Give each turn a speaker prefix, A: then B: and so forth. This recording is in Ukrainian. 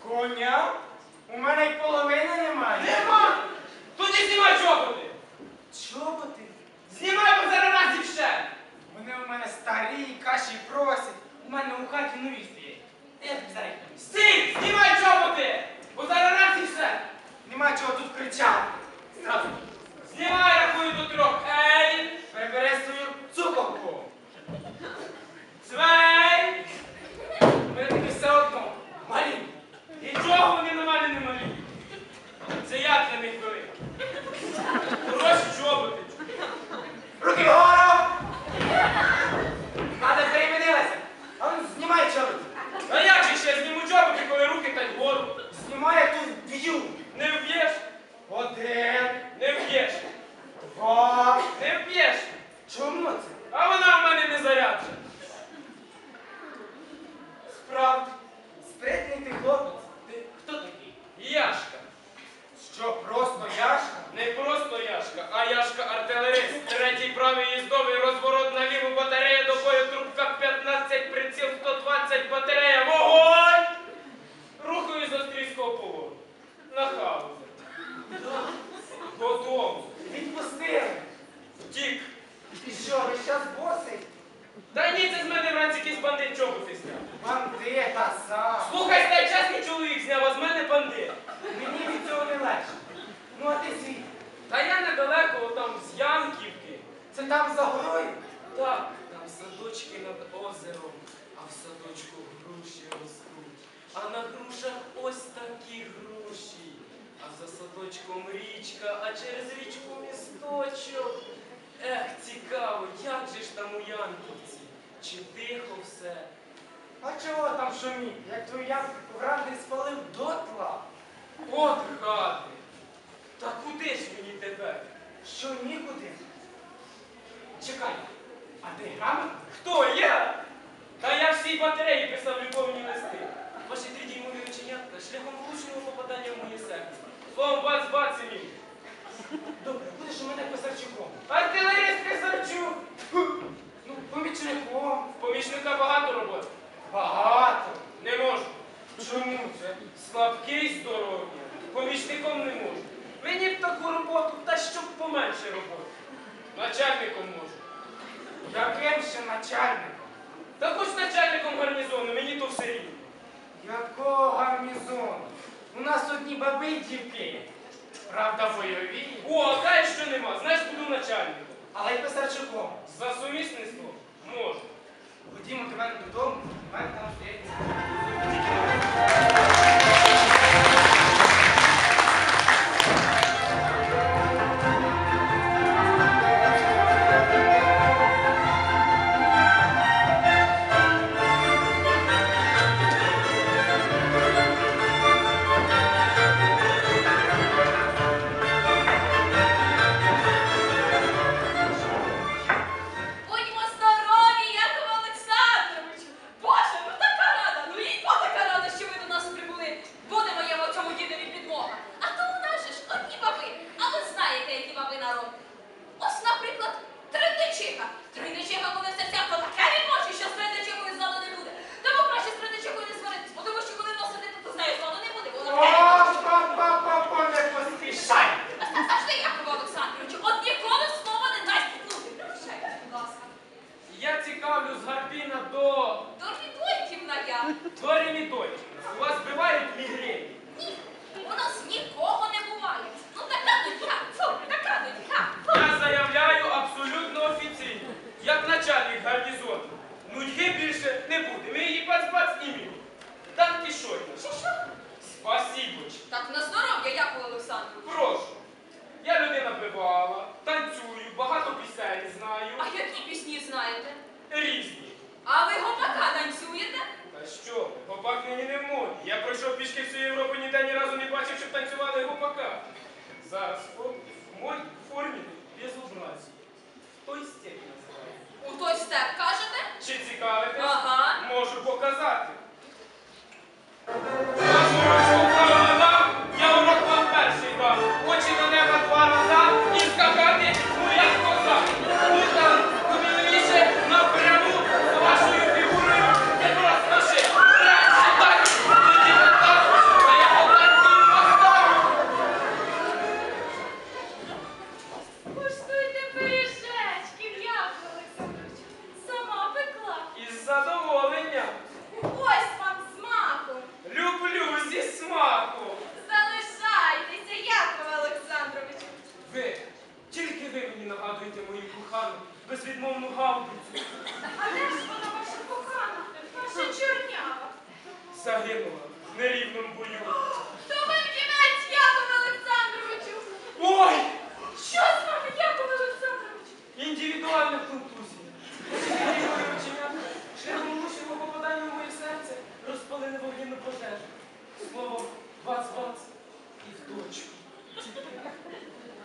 A: Коня? У мене й половини немає.
B: Нема! Тоді знімай чоботи!
A: Чоботи?
B: Знімай, бо зараз раз зівше!
A: Вони у мене старі, каші просять. У мене у хаті нові стоять. Я тобі зараз їх принесу.
B: Стій! Знімай чоботи! Бо зараз раз і все!
A: Нема чого тут кричати. Зразу.
B: Знімай, рахую до 3. Ей!
A: Прибери свою цукорку.
B: Свей!
A: Ми таки все одно. Малі.
B: Нічого вони на мене не малі. Це я для них велик. Хороші чоботи.
A: Руки вгору! Хата перемінилася. А ну знімай чоботи.
B: А як же ще зніму чоботи, коли руки та й вгору?
A: Знімай, я тут б'ю.
B: Не вб'єш?
A: 1,
B: Не вб'єш.
A: 2.
B: Не вб'єш.
A: Чому це?
B: А вона в мене не заряджена.
A: Справді. Спритний ти хлопець. Ти хто такий?
B: Яшка.
A: Що, просто Яшка?
B: Не просто Яшка, а Яшка-артилерист. Третій правий їздовий розворот на ліву батарея, до бою трубка 15, приціл 120, батарея. Вогонь! Рухаю з австрійського повору. На хаузер. Додому.
A: Відпустили.
B: Втік.
A: Ти що, весь час босий?
B: Та ні, це з мене вранці якийсь бандит чоботи зняв.
A: Бандита сам.
B: Слухай, стай, чесний чоловік зняв, а з мене бандит.
A: Мені від цього не легше. Ну а ти звідки?
B: Та я недалеко, там, з Янківки.
A: Це там за горою?
B: Так, там садочки над озером, а в садочку груші ростуть. А на грушах ось такі груші. А за садочком річка, а через річку місточок. Ех, цікаво, як же ж там у Янківці? Чи тихо все?
A: А чого там шуміть? Як твою ямку вранці спалив дотла?
B: От гати! Та куди ж мені тепер?
A: Що, нікуди? Чекай, а ти грамотний?
B: Хто я? Та я всій батареї писав любовні листи. Ваші 3-дюймові оченятка шляхом влучного попадання в моє серце. Словом, бац-бац і мій.
A: Добре, будеш у мене писарчуком.
B: Артилерист Писарчук!
A: Ну, помічником.
B: В помічника багато роботи.
A: Багато.
B: Не можу.
A: Чому це?
B: Слабкий здоров'я. Помічником не можу. Мені б таку роботу, та щоб поменше роботи. Начальником можу.
A: Яким ще начальником?
B: Та хоч начальником гарнізону, мені то все рівно.
A: Якого гарнізону? У нас одні баби й дівки. Правда, бойові.
B: О, а знаєш, що нема? Знаєш, буду начальником.
A: Але й писарчуком.
B: За сумісництвом можу.
A: Ходімо до мене додому, у мене там стоять.
C: Будьмо здорові, Якове Олександровичу! Боже, ну така рада! Ну і то така рада, що ви до нас прибули. Буде моєму цьому дідові підмога. А то у нас же ж одні баби. А ви знаєте, які баби народ. Ось, наприклад, Тридничиха. Тридничиха, коли в серцях, то таке відмочить, що з Тридничихою зладу не буде. Тому краще з Тридничихою не сваритись, бо тому що коли носити, то з нею зладу не буде. Вона
A: О, не поспішай!
C: А завжди, Якове Олександровичу, от ніколи слова не дасть пнути. Прощайте, будь ласка.
B: Я цікавлю з Гарпіна до
C: Дорвідойтівна я.
B: Ремідольчика. У вас бувають мігрені?
C: Ні, у нас нікого не буває. Ну така дитя, фу, така дитя, фу.
B: Я заявляю абсолютно офіційно, як начальник гарнізону. Нудьги більше не буде. Ми її бац-бац і мій. Дан Кішотна.
C: Що?
B: Спасибочки.
C: Так на здоров'я, Якове Олександрович.
B: Прошу. Я людина бивала, танцюю, багато пісень знаю.
C: А які пісні знаєте?
B: Різні.
C: А ви гопака танцюєте?
B: Та що ви, гопак нині не в моді. Я пройшов пішки всю Європу, ніде ні разу не бачив, щоб танцювали гопака. Зараз в формі безобразі. Той степь називає.
C: У той степ кажете?
B: Чи цікавитесь?
C: Ага.
B: Можу показати. Вашу ручку правильно дам, я урок вам перший дам. Очі до неба 2 назад і скакати, ну як козак. Ну там, повільніше, напряму, з вашою фігурою, не просто ши. Краще так, тоді так, невідмовну гаубицю.
C: А де ж вона ваша кохана, ваша чорнява?
B: Загинула в нерівному бою.
C: То ви вдівець, Якове Олександровичу!
B: Ой!
C: Що з вами, Якове Олександровичу?
B: Індивідуальна контузія. Мої оченята, шляхом влучного попадання в моє серце розпалили вогненну пожежу. Словом, бац-бац і в точку.